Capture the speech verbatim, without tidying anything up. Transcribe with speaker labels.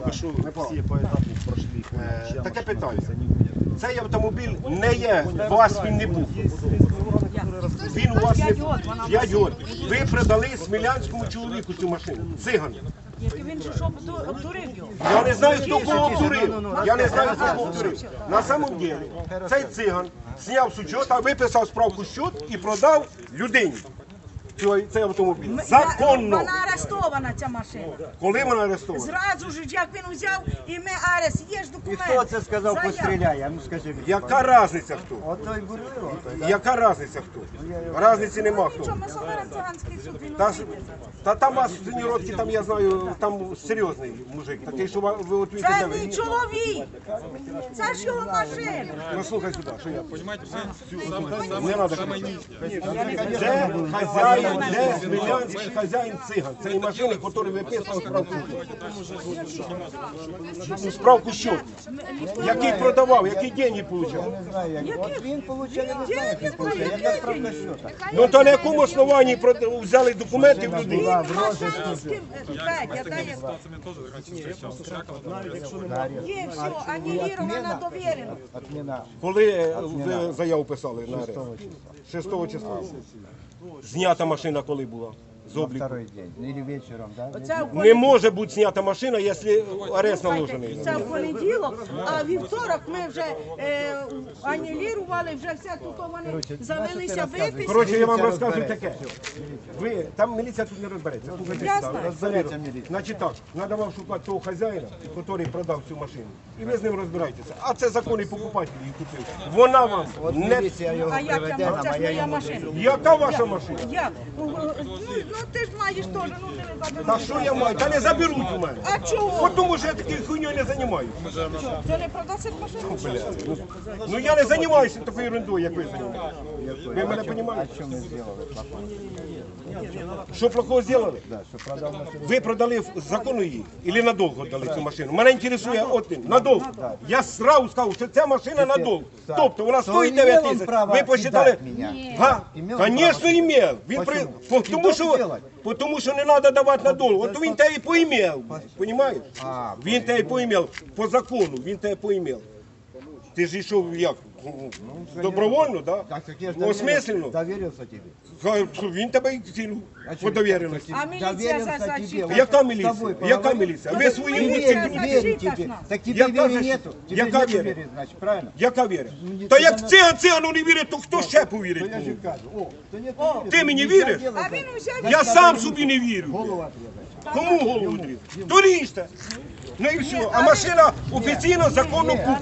Speaker 1: тільки що всі поетапно пройшли.
Speaker 2: Е, Таке питання. Цей автомобіль не є, у вас він не був. Він у вас не був. п'ять років. Ви продали смілянському чоловіку цю машину. Цигану.
Speaker 3: Він же що обдурив його?
Speaker 2: Я не знаю, хто кого обдурив. Я не знаю, хто кого обдурив. На самом деле, цей циган зняв з учета, виписав справку счет і продав людині цей, цей автомобіль. Законно.
Speaker 3: Вона арестована, ця машина.
Speaker 2: Коли вона арестована?
Speaker 3: Зразу ж, як він взяв, і ми арест, є ж
Speaker 4: І
Speaker 3: документи.
Speaker 4: хто це сказав,
Speaker 3: Заява.
Speaker 4: постріляє? Ну скажи мені.
Speaker 2: Яка різниця хто?
Speaker 4: Отой бурлило, отой, да?
Speaker 2: Яка різниця хто? Разниці нема
Speaker 3: Нічого,
Speaker 2: хто.
Speaker 3: ми соберемо циганський суд, він
Speaker 2: Та,
Speaker 3: увійде.
Speaker 2: та там вас в Синьородці, там я знаю, там серйозний мужик, такий, що ви ви от
Speaker 3: Це
Speaker 2: ви-
Speaker 3: мій чоловік. Це ж його машина.
Speaker 2: Ну слухай сюди, що я.
Speaker 5: Понимаете, вы
Speaker 2: Не
Speaker 5: самое,
Speaker 2: надо
Speaker 5: самое
Speaker 2: кричати.
Speaker 5: низкое.
Speaker 2: Де хазяїн, де смілянський хазяїн циган? Це і машини, які виписав справку. Ну, справку що? Який продавав, які деньги отримав?
Speaker 4: Не знаю, як. От він получає, я не знаю, як він получає. Яка справка счета?
Speaker 2: Ну то на якому основанні прода- взяли документи в людей?
Speaker 4: Була в розиску.
Speaker 3: З ким? Петя, дай я.
Speaker 5: Ситуациями тоже раньше встречался. С Раковым.
Speaker 3: Є все, анілірована, довірена.
Speaker 4: Отміна.
Speaker 2: Коли е, ви заяву писали на арест? шостого числа. Знята машина коли була? З обліку.
Speaker 4: Второй день. Ну, или вечером, да?
Speaker 3: Оце в
Speaker 2: Не може бути знята машина, якщо арест наложений.
Speaker 3: Це в понеділок, а вівторок ми вже е, анілірували, вже все тут вони завелися виписки.
Speaker 2: Коротше, я вам розкажу таке. Ви, там міліція тут не розбереться. Слухайте,
Speaker 3: Я
Speaker 2: сюди,
Speaker 3: знаю.
Speaker 2: розбереться.
Speaker 4: міліція.
Speaker 2: Значить так, треба вам шукати того хазяїна, який продав цю машину. І ви з ним розбирайтеся. А це законний покупатель її купив. Вона вам
Speaker 4: От
Speaker 2: не...
Speaker 4: міліція його
Speaker 3: А як
Speaker 4: приведе
Speaker 3: я
Speaker 4: нам,
Speaker 3: це
Speaker 4: а
Speaker 3: ж
Speaker 4: я
Speaker 3: моя
Speaker 4: йому
Speaker 3: машина?
Speaker 2: Яка ваша машина?
Speaker 3: Як? Ну, ну, ну ти ж маєш теж, ну ти не забереш.
Speaker 2: Та що я маю? Та не заберуть у мене.
Speaker 3: А чого?
Speaker 2: От тому що я такою хуйньою не займаюся.
Speaker 3: Це не продасить машину?
Speaker 2: Ну я не займаюся такою ерундою, як ви займаєтеся. Ви мене розумієте?
Speaker 4: Що ми зробили? плохого?
Speaker 2: Що плохого зробили?
Speaker 4: Да, що продав машину.
Speaker 2: Ви продали в закону її? Или надовго дали цю машину? Мене інтересує один. Надовго. Я сразу сказав, що ця машина надовго.
Speaker 4: Так.
Speaker 2: Тобто вона
Speaker 4: То
Speaker 2: стоїть
Speaker 4: імел
Speaker 2: дев'ять
Speaker 4: він
Speaker 2: тисяч.
Speaker 4: право
Speaker 2: Ви посчитали?
Speaker 4: кидати мене?
Speaker 2: Га?
Speaker 4: Імел
Speaker 2: Звісно,
Speaker 4: право.
Speaker 2: імел. Він при...
Speaker 4: Почему?
Speaker 2: по- Тому
Speaker 4: Кидок
Speaker 2: що...
Speaker 4: делать?
Speaker 2: Тому що не треба давати надовго. От він тебе і поімел. Понимаєш?
Speaker 4: А,
Speaker 2: Він тебе і поімел. По закону він тебе поімел. Ти ж йшов як? Добровольно, так?
Speaker 4: Так, так я ж
Speaker 2: Ну,
Speaker 4: доверил-
Speaker 2: осмисленно.
Speaker 4: доверился тебе.
Speaker 2: Ха, Він тебе і кинув
Speaker 4: А
Speaker 2: по
Speaker 4: чё?
Speaker 2: довіреності.
Speaker 3: А міліція
Speaker 4: Доверился
Speaker 3: за- за
Speaker 4: тебе.
Speaker 3: чим?
Speaker 4: Вот
Speaker 2: Яка
Speaker 4: с
Speaker 2: міліція?
Speaker 4: тобой
Speaker 2: Яка
Speaker 4: поговорил.
Speaker 2: міліція? Ви свої
Speaker 4: Не
Speaker 2: емоції
Speaker 4: верю,
Speaker 2: крутите.
Speaker 4: верю
Speaker 3: защита ж
Speaker 4: тебе.
Speaker 3: нас.
Speaker 4: Так тебе
Speaker 2: Яка
Speaker 4: веры
Speaker 2: защита?
Speaker 4: нету. Тебе
Speaker 2: Яка
Speaker 4: нету
Speaker 2: вера?
Speaker 4: веры, значит, правильно?
Speaker 2: Яка віра?
Speaker 4: Ні,
Speaker 2: Та
Speaker 4: це
Speaker 2: як
Speaker 4: не-
Speaker 2: циган цигану не вірить, то хто ще повірить?
Speaker 4: Я же
Speaker 2: кому?
Speaker 4: кажу, о, то нет веры.
Speaker 2: Ти мені
Speaker 4: Нельзя
Speaker 2: віриш?
Speaker 4: делать
Speaker 3: А
Speaker 4: так.
Speaker 3: він взяв.
Speaker 2: Я сам собі не вірю.
Speaker 4: Голову отрезать.
Speaker 2: Кому голову дрізати? То ріжте. Ну і все. А машина офіційно законно куплена.